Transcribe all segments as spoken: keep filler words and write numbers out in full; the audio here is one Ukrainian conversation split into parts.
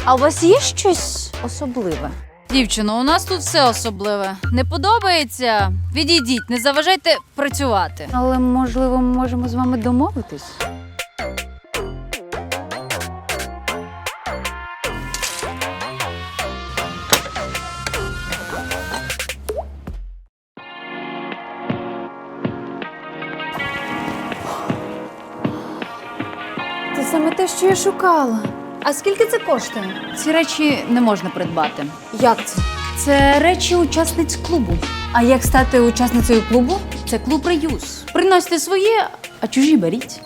А у вас є щось особливе? Дівчино, у нас тут все особливе. Не подобається? Відійдіть, не заважайте працювати. Але, можливо, ми можемо з вами домовитись? Це саме те, що я шукала. А скільки це коштує? Ці речі не можна придбати. Як це? Це речі учасниць клубу. А як стати учасницею клубу? Це клуб реюз. Приносьте своє, а чужі беріть.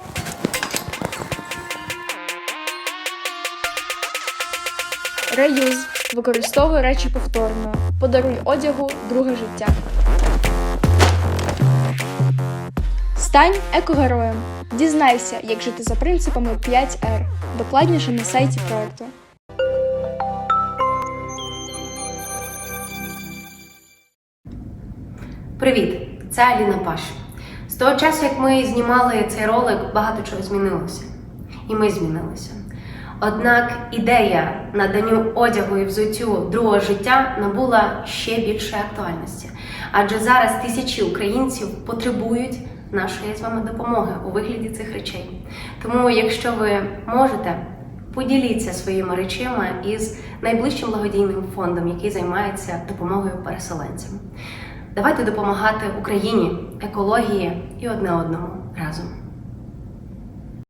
Реюз. Використовуй речі повторно. Подаруй одягу друге життя. Стань екогероєм. Дізнайся, як жити за принципами п'ять ер. Докладніше на сайті проекту. Привіт! Це Аліна Паш. З того часу, як ми знімали цей ролик, багато чого змінилося. І ми змінилися. Однак ідея наданню одягу і взуттю другого життя набула ще більшої актуальності. Адже зараз тисячі українців потребують нашої з вами допомоги у вигляді цих речей. Тому, якщо ви можете, поділіться своїми речима із найближчим благодійним фондом, який займається допомогою переселенцям. Давайте допомагати Україні, екології і одне одному разом.